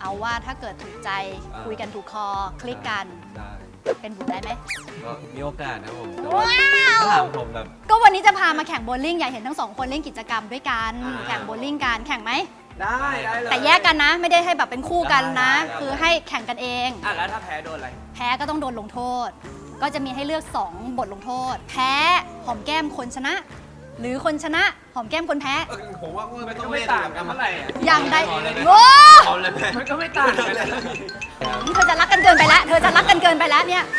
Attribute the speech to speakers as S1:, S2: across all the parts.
S1: เอาว่าถ้าเกิดถูกใจคุยกันถูกคอคลิกกัน
S2: ได้
S1: เป็นบุญได้ไหม
S2: ก็มีโอกาสนะผมแต่ว่าถ้าถามผมแบบ
S1: ก็วันนี้จะพามาแข่งโบว์ลิ่งอยากเห็นทั้งสองคนเล่นกิจกรรมด้วยกันแข่งโบว์ลิ่งกันแข่งไหม
S3: ได้เลย
S1: แต่แยกกันนะ ไม่ได้ให้แบบเป็นคู่กันนะ คือให้แข่งกันเอง
S3: แล้วถ้าแพ้โดนอะไร
S1: แพ้ก็ต้องโดนลงโทษ ก็จะมีให้เลือก 2 บทลงโทษ แพ้หอมแก้มคนชนะ หรือคนชนะหอมแก้มคนแพ้
S2: ผมว่าไม่ต้อง
S3: ไม่
S2: เล่น
S3: ต่างกันเท่าไหร่อะ
S1: อย่างใด
S2: เอาเลย
S1: โอ้
S2: เอาเลยแม่
S3: มันก็ไม่ต่างกันเลย
S1: เธอจะรักกันเกินไปแล้วเธอจะรักกันเกินไปแล้วเนี่ย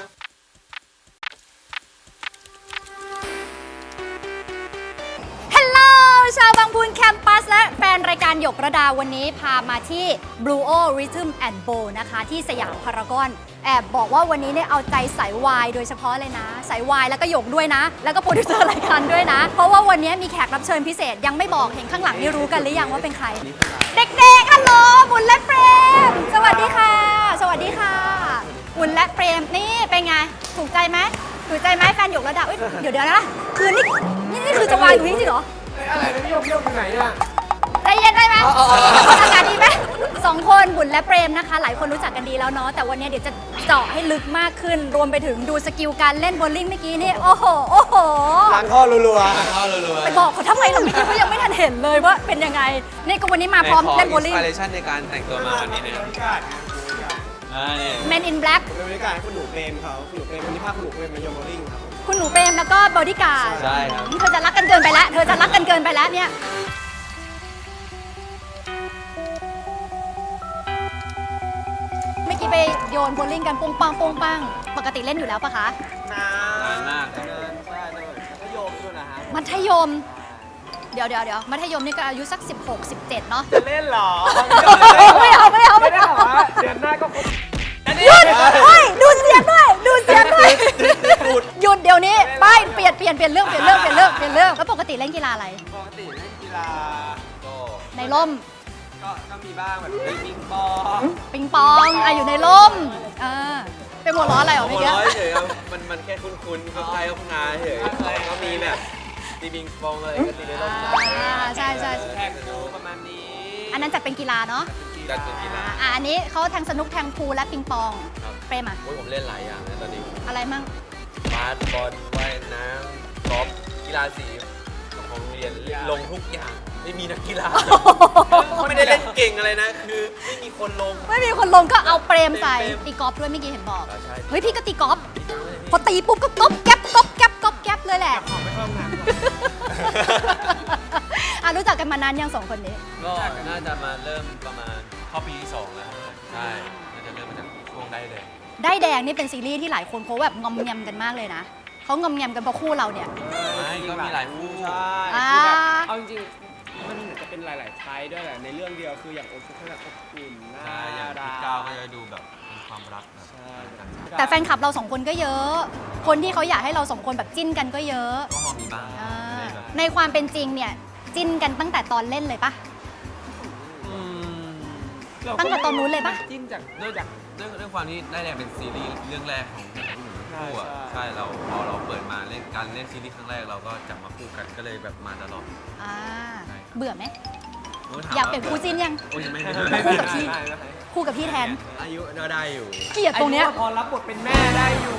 S1: ฮัลโหลชาวบางพูนแคมปัสและแฟนรายการหยกระดาวันนี้พามาที่ Blue O Rhythm and Bowl นะคะที่สยามพารากอนแอบบอกว่าวันนี้เนี่ยเอาใจสายวายโดยเฉพาะเลยนะสายวายแล้วก็หยกด้วยนะ แล้วก็โปรดิวเซอร์รายการด้วยนะ เพราะว่าวันนี้มีแขกรับเชิญพิเศษยังไม่บอกเห็นข้างหลังนี่รู้กันหรือยังว่าเป็นใคร เด็กๆฮัลโหลบุญและเปรมสวัสดีค่ะ สวัสดีค่ะบุญและเปรมนี่เป็นไงถูกใจไหมถูกใจไหมแฟนหยกระดาเดี๋ยวนะคือนี่คือจะวายอยู่จริงๆเหรอ
S3: อะไรนะพี่โยกไปไหนอ่ะ
S1: ใจเย็นได้ไหมอากาศดีไหมสองคนบุญและเปรมนะคะ หลายคนรู้จักกันดีแล้วเนาะแต่วันนี้เดี๋ยวจะเจาะให้ลึกมากขึ้น รวมไปถึงดูสกิลการเล่นโบว์ลิ่งเมื่อกี้นี่โอ้โหโอ้โห
S3: ล้างท่อรัว
S2: เข้ารัวๆ
S1: ไปบอกเขาทำไมเราไม่คิดว่ายังไม่ทันเห็นเลยว่าเป็นยังไงนี่ก็วันนี้มาพร้อมเล่นโบว์ลิ่ง
S2: อินสปิเรชันในการแต่งตัวมาวันนี้เนี่ยนี่
S1: Men in Black
S3: เป็นบรรยากาศคุณหนูเปรมเขาคุณหนูเปรมวันนี้พาคุณหนูเปรมมาโยนโบลิ่งครับ
S1: คุณหนูเปรมแล้วก็บอดี้การ์ด
S2: ใช่ครับ
S1: เธอจะรักกันเกินไปแล้วเธอจะรักกันเกินไปแล้วเนี่ยเมื่อกี้ไปโยนโบว์ลิ่งกันปุ้งปังปุ้งปังปกติเล่นอยู่แล้วปะคะ
S3: นาน
S2: านมาก
S3: ใช่ก็โยมด้วยนะฮะ
S1: มัธยม เดี๋ยวมัธยมนี่ก็อายุสัก 16 17 เนาะ
S3: จะเล่นเหรอ
S1: ไม่เอา
S3: ไม่ได้เหรอเดือนหน้าก็ครบ
S1: หยุดเฮ้ยดูเสียงด้วยดูเสียงด้วยหยุดเดี๋ยวนี้ไปเปลี่ยนเรื่องแล้วปกติเล่นกีฬาอะไร
S3: ปกติเล่นกีฬา
S2: ก็
S1: ในร่ม
S3: ก็มีบ้างแบบปิงปอง
S1: ปิงปองอยู่ในร่มเป็นหัวล้ออะไรเหรอ
S2: หั
S1: เมื่อ
S2: ว
S1: กี้
S2: เร้อยเฉยครับมันแค่คุ้นๆก็ใครก็งานเฉยก็มีแบบตีบิงปองอะไรก็ตีได้รอบ
S1: ใช่
S3: แท็กดูประมาณนี้
S1: อันนั้นจัดเป็นกีฬาเนาะ
S2: จัดเป็นกีฬา
S1: อันนี้เขาแทงสนุกแทงพูลและปิงปอง
S2: ครับ
S1: เปรมอะ
S2: โอ้ยผมเล่นหลายอย่างนะตอนนี้
S1: อะไรมั่ง
S2: บาสบอลว่ายน้ำกอล์ฟกีฬาสีของโรงเรียนลงทุกอย่างไม่มีนักกีฬาไม่ได้เล่นเก่งอะไรนะ คือไม่มีคนลง
S1: ไม่มีคนลงก็เอาเปรมใส่
S2: เปรม
S1: ตีกอล์ฟด้วยเมื่อกี้เห็นบอก
S2: ใช่
S1: เฮ้ยพี่ก็ตีกอล์ฟพอตีปุ๊บก็ก๊อบแก๊บก๊อบแก๊บก๊อบแก๊บเลยแหละ
S3: ขอไปเข้าห้องน้ำก่อน
S1: รู้จักกันมานานยังสองคนนี้
S2: ก็น่าจะมาเริ่มประมาณเข้าปีที่ 2 แล้วครับใช่น่าจะเริ่มมาจากช่วงได้เลย
S1: ได้แดงนี่เป็นซีรีส์ที่หลายคนเขาแบบงอมแงมกันมากเลยนะเขางอมแงมกันเพราะคู่เราเนี่ย
S2: ไม่ก็มีหลายคู่
S3: ใช่
S1: อ่า
S3: คือแบบเอาจริงๆมันเหมือนจะเป็นหลายๆไทยด้วยแหละในเรื่องเดียวคืออย่างโอซุเขาแบบอบอุ่นน่า
S2: ใช่อย่าง
S3: รั
S2: พี่
S3: ก
S2: ก้าวก็จะดูแบบเป็นความรักแบบ
S3: ใช่
S1: แต่แฟนคลับเราสองคนก็เยอะ คนที่เขาอยากให้เราสองคนแบบจิ้นกันก็เยอะ
S2: ก็พอมีบ้าง
S1: อ่า
S2: ไม่ได้แบบ
S1: ในความเป็นจริงเนี่ยจิ้นกันตั้งแต่ตอนเล่นเลยปะ
S2: อืม
S1: ตั้งแต่ตอนนู้นเลยปะ
S3: จิ้นจาก
S2: ด้วยความที่ได้แรงเป็นซีรีส์เรื่องแรกของคู่อ่ะ
S3: ใช่
S2: ใช่เราพอเราเปิดมาเล่นการเล่นซีรีส์ครั้งแรกเราก็จับมาคู่กันก็เลยแบบมาตลอด
S1: อ่า
S2: ใช่ครับ
S1: เบื่อไหม
S2: โถม
S1: อยากเปลี่ยนคู่จิ้นยัง
S2: โอ้ยยังไม่
S1: คู่กับพี่ คู่กับพี่แทน
S2: อายุก็ได้อยู่
S1: เกลียดตรงเนี้ย
S3: อายุพอรับบทเป็นแม่ได้อยู่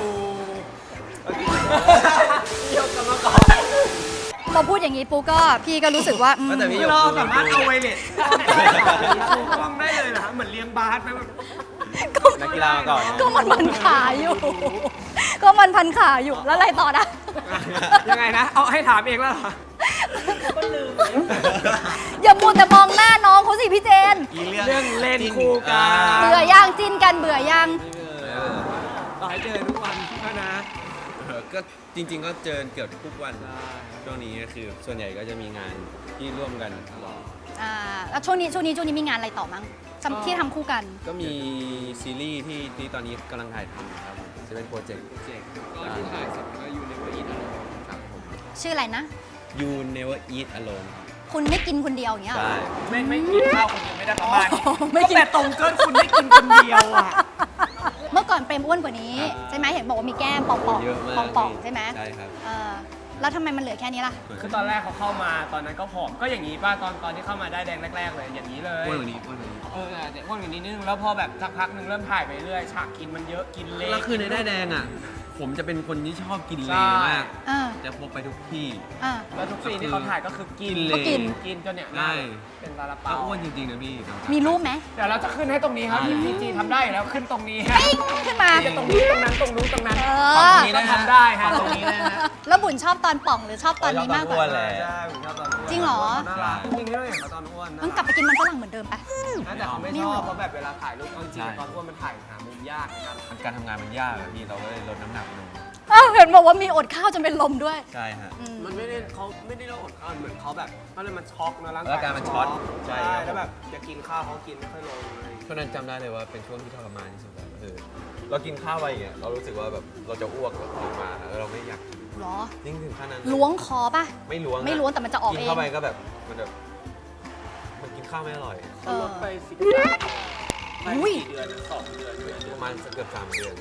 S3: ยกกันมาก่อน
S1: พอพูดอย่างนี้ปุ๊กก็พี่ก็รู้สึกว่าอืม
S2: แต่พี่ยก
S3: เราสามารถเอาไวเลสชูกล้องได้เลยเหรอเหมือนเลี้ยงบาสไหมแบบ
S2: นักกีฬามาก่อน
S1: ก็มันพันขาอยู่ ก็มันพันขาอยู่แล้วอะไรต่อนะ
S3: ยังไงนะ เอาให้ถามเองแล้วเหรอก็ลืม
S1: อย่ามัวแต่มองหน้าน้องเขาสิพี่เจน
S3: เรื่องเล่นคู่กัน
S1: เบื่อย่างจิ้นกันเบื่อยัง
S3: ต่อให้เจอทุกวันก็นะ
S2: ก็จริงๆก็เจอเกือบทุกวันช่วงนี้ก็คือส่วนใหญ่ก็จะมีงานที่ร่วมกันตลอด
S1: แล้วช่วงนี้มีงานอะไรต่อมั้งที่ทำคู่กัน
S2: ก็มีซีรีส์ที่ตอนนี้กำลังถ่ายทำครับจะเป็นโปรเจกต์
S3: ก็ที่ถ่ายเสร็จก็อยู่ในเวทีนั่น
S2: ครับผม
S1: ชื่ออะไรนะ
S2: You Never Eat Alone
S1: คุณไม่กินคนเดียวอย่างเงี้ยเหรอ
S2: ใช่
S3: ไม่กินข้าวคนเดียวไม่ได้ประมาณนี้
S1: ไม่กิน
S3: ก็แต่ตรงเกินคุณไม่กินคนเดียวอ่ะ
S1: เมื่อก่อนเปรมอ้วนกว่านี้ ใช่ไหมเห็นบอกว่ามีแก้มป่อง
S2: เยอะมาก
S1: ๆป่องๆใช่ไหม
S2: ใช่ครับ
S1: แล้วทำไมมันเหลือแค่นี้ล่ะ
S3: คือตอนแรกเขาเข้ามาตอนนั้นก็ผอมก็อย่างนี้ป่ะตอนที่เข้ามาได้แดงแรกๆเลยอย่างนี้เลย
S2: อ้วนกว่านี้อ้วนกว่านี้
S1: อ
S3: แต่อ้วนกว่านี้นิดนึงแล้วพอแบบสักพักหนึ่งเริ่มถ่ายไปเรื่อยฉากกินมันเยอะกินเละ
S2: แล้วคือในได้ายแดงอ่ะ ผมจะเป็นคนที่ชอบกินเล
S3: ใช่
S2: มาก
S1: อ่า
S2: จะพกไปทุกที่
S1: อ่า
S3: แล้วทุกซีนที่เขาถ่ายก็คือกิน
S2: ก็กิน
S3: กินจนเนี่ย
S2: ใช่
S3: เป็นซาลา
S2: ก็
S3: เปา
S2: อ้วนจริงๆนะพี่
S1: มีรูปไหม
S3: เดี๋ยวเราจะขึ้นให้ตรงนี้ครับที่พีจีทำได้อยู่แล้วขึ้นตรงนี้ฮะ
S1: ปิ้งขึ้นมา
S3: จะตรงนี้ตรงนั้นตรงนู้นตรงนั้น
S1: เอ
S2: ฝั่ง
S1: อ
S2: นี้
S3: ก็
S2: นะ
S3: ทำได้ฮะตรงนี้นะฮะ
S1: แล้วบุญชอบตอนป่องหรือชอบตอนนี้มากกว่า
S2: อ้วนแหละ
S3: ใช่ผมชอบตอนอ้วน
S1: จริงเหรอ
S3: น่ารักจริงๆที่เราเห็นเขาตอนอ้วน
S1: ต้องกลับไปกินมันฝรั่งเหมือนเดิมปะ
S3: น่าจะเขาไม่ชอบเพราะแบบเวลาถ่ายรูปเอาจริงๆตอนอ้วนมันถ่ายหามุมยากนะครับ
S2: การทำงานมันยากอะพี่เราก็เลยลดน้ำหนักลง
S1: อ้าวเห็นบอกว่ามีอดข้าวจนเป็นลมด้วย
S2: ใช่ฮะ
S1: อืม
S3: มันไม่ได้เขาไม่ได้อดข้าวเหมือนเขาแบบเขาเลยมันช็อกนะร่าง
S2: ร่างกายมันช็อตใช่
S3: ใช่
S2: ครับ
S3: แล้วแบบจะกินข้าวเขากินไม่ค่อยลงเลย
S2: ช่วงนั้นจำได้เลยว่าเป็นช่วงที่ทรมานที่สุดแล้วเรากินข้าวไปอย่างเงี้ยเรารู้สึกว่าแบบเราจะอ้วกแบบออกมาแล้วเราไม่อยากกิน
S1: เหรอ
S2: ยิ่งถึงขั้นนั้น
S1: ล้วงคอปะ
S2: ไม่ล้วงอะ
S1: ไม่ล้วงแต่มันจะออก
S2: กิน
S1: เอง
S2: เข้าไปก็แบบมันแบบมันกินข้าวไม่อร่อย
S3: เขาลดไป10
S1: อุ้ย
S3: กี่เดือนนะ2 เดือน
S2: ประมาณเกือบ3 เดือน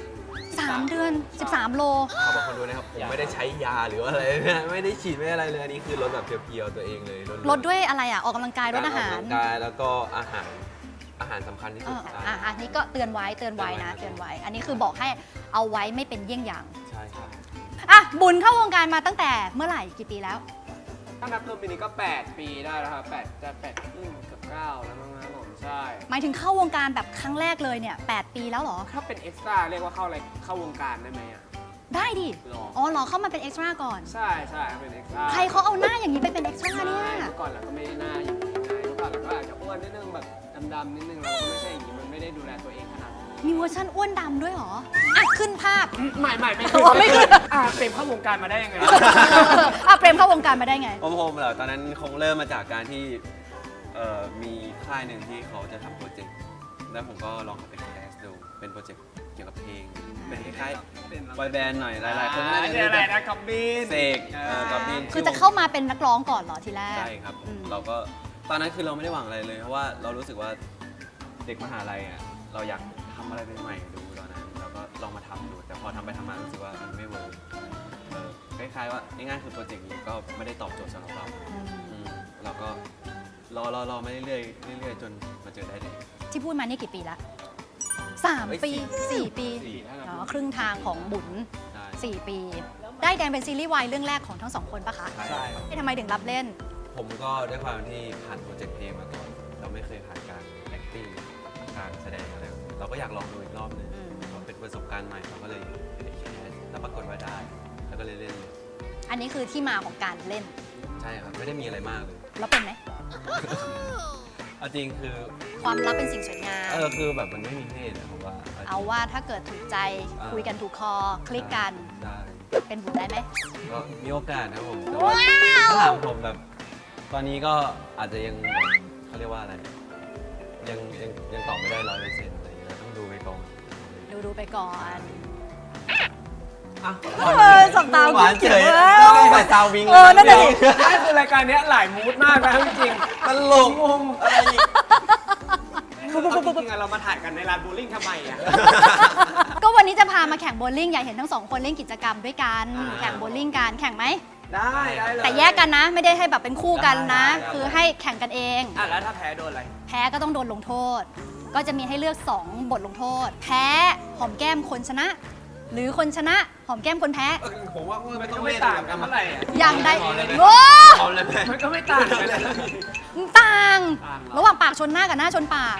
S1: 3 เดือน 13 โล
S2: ขอบคุณด้วยนะครับผมไม่ได้ใช้ยาหรือว่าอะไรนะไม่ได้ฉีดไม่ได้อะไรเลยอันนี้คือลดแบบเพียวๆตัวเองเลย
S1: ลดด้วยอะไรอ่ะ ออกกำลังกายลดอาหาร
S2: กกำลังกายแล้วก็อาหารสำคัญที่
S1: เอ
S2: สุด
S1: อันนี้ก็เตือนไว้นะ เตือนไว้ อันนี้คือบอกให้เอาไว้ไม่เป็นเยี่ยงอย่าง
S2: ใช่ครับ
S1: อ่ะ บุญเข้าวงการมาตั้งแต่เมื่อไหร่กี่ปีแล้ว
S3: ถ้านับรวมปีนี้ก็ 8 ปีได้แล้วครับ8จะ8ครึ่งเกือบ9แล้วมั้งครับผมใช่
S1: หมายถึงเข้าวงการแบบครั้งแรกเลยเนี่ย 8 ปีแล้วเหรอ
S3: ถ้าเป็นเอ็กซ์ตร้าเรียกว่าเข้าวงการได้ไหมอ่ะ
S1: ได้ดิ
S3: หรอ
S1: อ๋อเหรอเข้ามาเป็นเอ็กซ์ตร้าก่อน
S3: ใช่เป็นเอ็กซ์ตร้า
S1: ใครเขาเอาหน้าอย่างนี้ไปเป็นเอ็กซ์ตร้าเนี่ย
S3: เมื่อก่อนเราก็ไม่ได้หน้าอย่างนี้ไงเมื่อก่อนเราก็อาจจะอ้วนนิดนึงแบบดำๆนิดนึงเราก็ไม่ใช่อย่างนี้มันไม่ได้ดูแลตัวเองขนาดนี้
S1: มีเวอร์ชันอ้วนดำด้วยเหรอ อ่ะ ขึ้นภาพ
S3: ไม่
S1: อ๋อไม่ขึ้น
S3: เต็มเข้าวงการมาได้ยังไง
S1: อ่ะเปรมเข้าวงการมาได้ไง
S2: ผมเหรอตอนนั้นคงเริ่มมาจากการที่มีค่ายหนึ่งที่เขาจะทำโปรเจกต์แล้วผมก็ลองเข้าไปแคสดูเป็นโปรเจกต์เกี่ยวกับเพลงเป็นคล้ายๆบอยแบนด์หน่อยหลายๆคนน่าจะ
S3: เนี่ย
S2: รู้
S3: อะไร
S2: จัก
S3: นะกับบิน
S2: เสกกับบิน
S1: คือจะเข้ามาเป็นนักร้องก่อนเหรอทีแรก
S2: ใช่ครับ
S1: อืม
S2: เราก็ตอนนั้นคือเราไม่ได้หวังอะไรเลย เพราะว่าเรารู้สึกว่าเด็กมหาลัยอ่ะเราอยากทำอะไรใหม่ๆดูตอนนั้นเราก็ลองมาทำดู แต่พอทำไปทำมารู้สึกว่ามันไม่เวิร์กคล้ายๆว่าง่ายๆคือโปรเจกต์นี้ก็ไม่ได้ตอบโจทย์สำหรับเรา
S1: อืม
S2: เราก็รอมาเรื่อยๆจนมาเจอได้เลย
S1: ที่พูดมานี่กี่ปีละ3 ปี 4 ปี
S2: สี่
S1: อ๋อครึ่งทางของบุญ
S2: ได้
S1: 4 ปี ได้แดงเป็นซีรีส์วายเรื่องแรกของทั้งสองคนปะคะ
S2: ใช่ครับ
S1: ทำไมถึงรับเล่น
S2: ผมก็ด้วยความที่ผ่านโปรเจกต์เพลงมาก่อนเราไม่เคยผ่านการ acting การแสดงอะไรแบบนี้เราก็อยากลองดูอีกรอบหนึง
S1: อืม
S2: เพราะเป็นประสบการณ์ใหม่เราก็เลยไปแคสแล้วปรากฏว่าได้ แล้วก็เลยเล่นเลย
S1: อันนี้คือที่มาของการเล่น
S2: ใช่ครับไม่ได้มีอะไรมากเลย
S1: แล้วเป็นไหม
S2: เอาจริงคือ
S1: ความลับเป็นสิ่งสวยงาม
S2: คือแบบมันไม่มีเพศอะผมว่า
S1: เอาว่าถ้าเกิดถูกใจคุยกันถูกคอ คลิกกัน
S2: ได้
S1: เป็นบุญได้ไหม
S2: ก็มีโอกาสนะครับผมแต่
S1: ว้า
S2: ว่าถ้าว ถามผมแบบ ตอนนี้ก็อาจจะยังเขาเรียกว่าอะไร ยังตอบไม่ได้100%อะไรอย่างเงี้ยต้องดูไปก่อน
S1: ดูไปก่อน
S2: อ่ะ
S1: สบตา
S2: หวานเฉย
S1: เออ
S2: ต้องใส่ซาววิง
S1: นั่นแหละดิ
S3: นี่คือรายการเนี้ยหลายมูดมากนะจริง
S2: ตลกอะไรอีก
S3: ๆคือจริงๆอะเรามาถ่ายกันในลานโบว์ลิ่งทำไมอ่ะ
S1: ก็วันนี้จะพามาแข่งโบว์ลิ่งอยากเห็นทั้งสองคนเล่นกิจกรรมด้วยกัน
S2: อ่า
S1: แข่งโบว์ลิ่งกันแข่งไหม
S3: ได้เลย
S1: แต่แยกกันนะ ไม่ได้ให้แบบเป็นคู่กันนะ
S2: ได้
S1: คือให้แข่งกันเอง
S3: อ่ะแล้วถ้าแพ้โดนอะไร
S1: แพ้ก็ต้องโดนลงโทษ ก็จะมีให้เลือก 2 บทลงโทษ แพ้หอมแก้มคนชนะ หรือคนชนะหอมแก้มคนแพ้
S2: ผมว่า
S3: มั
S2: ไม่
S3: น
S2: ต้
S3: ก็
S2: อง
S3: ไม่
S2: เล่น
S3: ต่างกันเท่าไหร่อ่ะ
S1: อย่างใด
S2: เอาเลยไหม
S1: โอ้
S2: เอาเลยไหม
S3: มันก็ไม่ต่างกันเลย
S1: ต่าง
S3: ต่างเหรอ
S1: ระหว่างปากชนหน้ากับหน้าชนปาก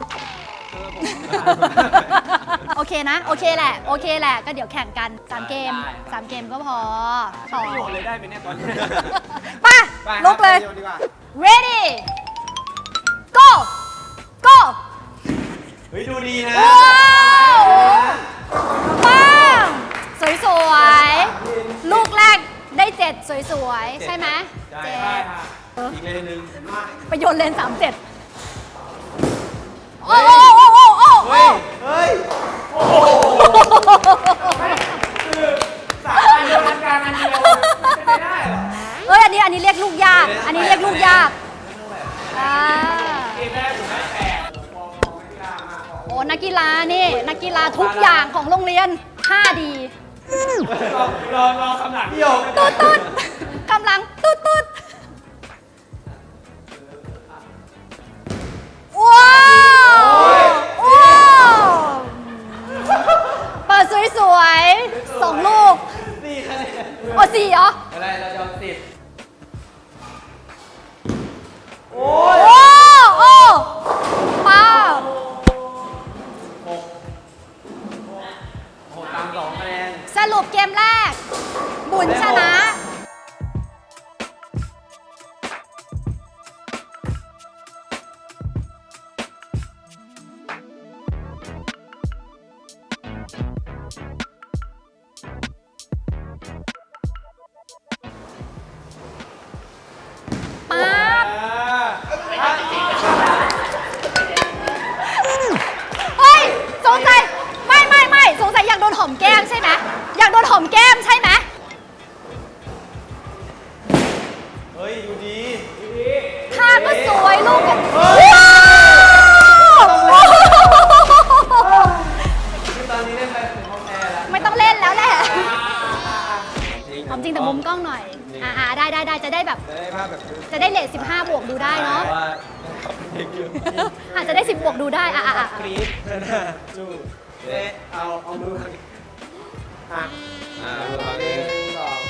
S1: โอเคนะ โอเคแหละ โอเคแหละ ก็เดี๋ยวแข่งกัน 3 เกม 3 เกมก็พอ
S3: ต่อโยนเลยได้ไหมเนี่ยตอนนี้
S1: ไป่ะ
S3: ไปครับ
S1: ลุกเลย
S3: โนดีกว่า
S1: ready go go
S2: เฮ้ยดูดีนะ
S1: ว้าวปังสวยๆ ลูกแรกได้ 7 สวยๆ ใช่ไหม
S2: ใช่
S1: เจ็
S3: ได้
S1: ด
S3: ค่ะ
S2: อีกเลนหนึ่ง
S1: ไปโยนเลน37 โอ้โอ้โอ้โอ้โอ้
S2: เฮ้ย เฮ้ย
S3: สามอันเดียวกันกลางอันเดียวเป็นไปได้เหรอ
S1: เอ้ย อันนี้เรียกลูกยาก อันนี้เรียกลูกยากอ่า
S3: เกมแรกผมได้8มองไม่กล้ามาก
S1: โอ้นักกีฬานี่ นักกีฬาทุกอย่างของโรงเรียน 5 ดี
S3: รอคำหลัง
S2: พี่หยก
S1: ตุ๊ดตุ๊ดกำลังตุ๊ดตุ๊ดว้าว 4เหรอ
S2: อะไรเราจะเอา10
S1: โอ้โอ้ป้า
S2: โอ้โหตาม2คะแนน
S1: สรุปเกมแรก บุญชนะ ป๊าบเฮ้ย สงสัย ไม่สงสัยอยากโดนหอมแก้มใช่ไหมอยากโดนหอมแก้มใช่ไหม
S2: เฮ้ยอยู่ดี
S1: ท่าก็สวยลูกก็ว้าว
S2: คือตอนนี้เล่นไปถึงห้องแอร์แล้ว
S1: ไม่ต้องเล่นแล้วแหละ
S2: จริง
S1: หอมจริงแต่มุมกล้องหน่อย ได้จะได้แบบ
S3: จะได้ภาพแบบ
S1: จะได้เลท15 บวกดูได้เนาะ
S2: ว่าเด็กอยู่
S1: อาจจะได้ 10 บวกดูได้
S3: กรี๊ดจูเอ๊ะเอามือมาหัก
S2: ดูตอน
S3: ห
S2: นี้
S3: นึ่งสอง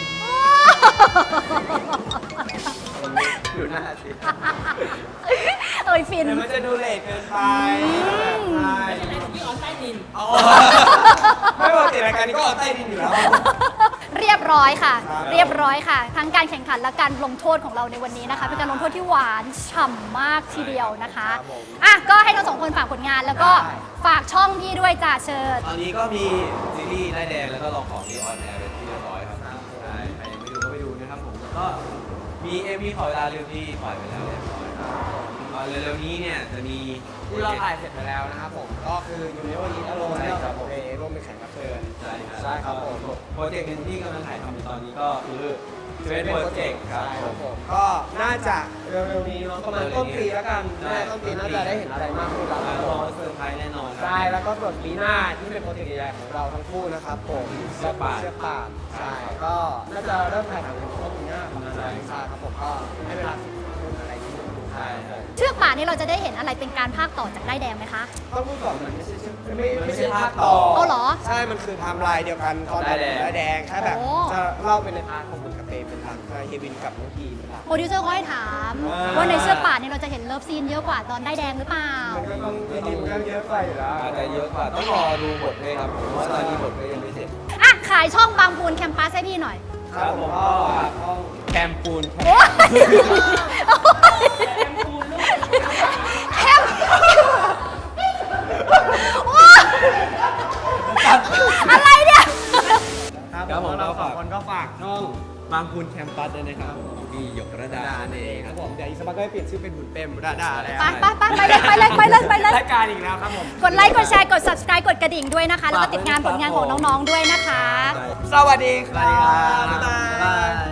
S3: ดูหน้าสิ
S1: เอ้ยฟิน
S3: เดี๋ยวมันจะดูเลทเกินไปใช่พี่ออนใต้ดินไม่ปกติรายการนี้ก็ออนใต้ดินอยู่แล้ว
S1: เรียบร้อยค่ะ
S3: ครับ
S1: เรียบร้อยค่ะ ทั้งการแข่งขันและการลงโทษของเราในวันนี้นะคะ เป็นการลงโทษที่หวานฉ่ำมากทีเดียวนะคะอ่ะก็ให้ทั้งสองคนฝากผลงานแล้วก็ฝากช่องพี่ด้วยจ้าเชิญ
S2: ตอนนี้ก็มีซีรีส์ได้ายแดงแล้วก็ลองของที่ออนแอร์เป็นที่เรียบร้อยครับใช่ใครยังไม่ดูก็ไปดูนะครับผมแล้วก็มีMVขอเวลาเร็วที่ปล่อยไปแล้วเรียบร้อยครับเร็วๆนี้เนี่ยจะมี
S3: ที่เราถ่ายเสร็จไปแล้วนะครับผมก็คืออยู่ในวันนี้อารมณ์เนี่ยครับผมร่วมเป็นแขกรับเชิญ
S2: ใช่ครับ
S3: ใช่ครับผม
S2: โปรเจกต์หนึ่งที่กำลังถ่ายทำอยู่ตอนนี้ก็คือเทรนโปรเจกต์ครับ
S3: ใช่
S2: ผ
S3: ครับ
S2: ม
S3: ผมก็น่าจะเร็วๆนี้เนาะประมาณต้นปีแล้วกันน่าจะต้นปีน่าจะได้เห็นอะไรมากขึ้นแล้วครับ
S2: ร
S3: ผ
S2: อ
S3: ม
S2: เซอร์ไพรส์แน่นอนครับ
S3: ใช่แล้วก็ส่วนปีหน้าที่เป็นโปรเจกต์ใหญ่ๆของเราทั้งคู่นะครับผม
S2: เสื้อป่าน
S3: เสื้อป่านใช่ก็น่าจะเริ่มถ่ายทำในช่วงปีหน้าประมาณนั้นใช่ครับผมก็ให้เวลา10คนอะไรที่ดู
S2: ใช่ใช่
S1: เชือกป่านนี้เราจะได้เห็นอะไรเป็นการภาคต่อจากได้ายแดงไหมคะ
S3: ต้องพูดก่อนมันไม่ใช่ภาคต่อ
S1: เอาเหรอ
S3: ใช่มันคือไทม์ไลน์เดียวกันตอนได้แดงแค่แบบ
S1: โอ้
S3: จะเล่าเป็นในพาร์ทของบุญกับเปเป็นหลักเฮวินกับน้องทีเป็นหลัก
S1: โปรดิวเซอร์เขาให้ถาม ว่าในเชือกป่านนี้เราจะเห็นเลิฟซีนเยอะกว่าตอนได้ายแดงหรือเปล่า
S3: มันก็ต้องมีมันก็เยอะไปอยู่แล้ว
S2: อาจจะเยอะกว่าต้องรอดูบทด้วยครับเพราะว่าตอนนี้บทก็ยังไม่เสร็จ
S1: อ่ะ ขายช่องบางพูนแคมปัสให้พี่หน่อย
S3: ครับผมก็ห้อง
S2: แคมปูน
S1: โอ้ยแคมว้าอะไรเนี่ย
S3: ครับผมเราสองคนก็ฝากช่อง
S2: บางปูนแคมปัสด้วยนะครับพี่หยกระดา
S3: ดาเองครับผมเดี๋ยวอีกสักพักก็เปลี่ยนชื่อเป็นบุญเต็มดาแล้ว
S1: ไปเลย
S3: รายการอีกแล้วครับผม
S1: กดไลค์ กดแชร์ กด subscribe กดกระดิ่งด้วยนะคะ แล้วก็ติดงานผลงานของน้องๆด้วยนะคะ
S3: สวัสดีครับ
S2: บ๊ายบาย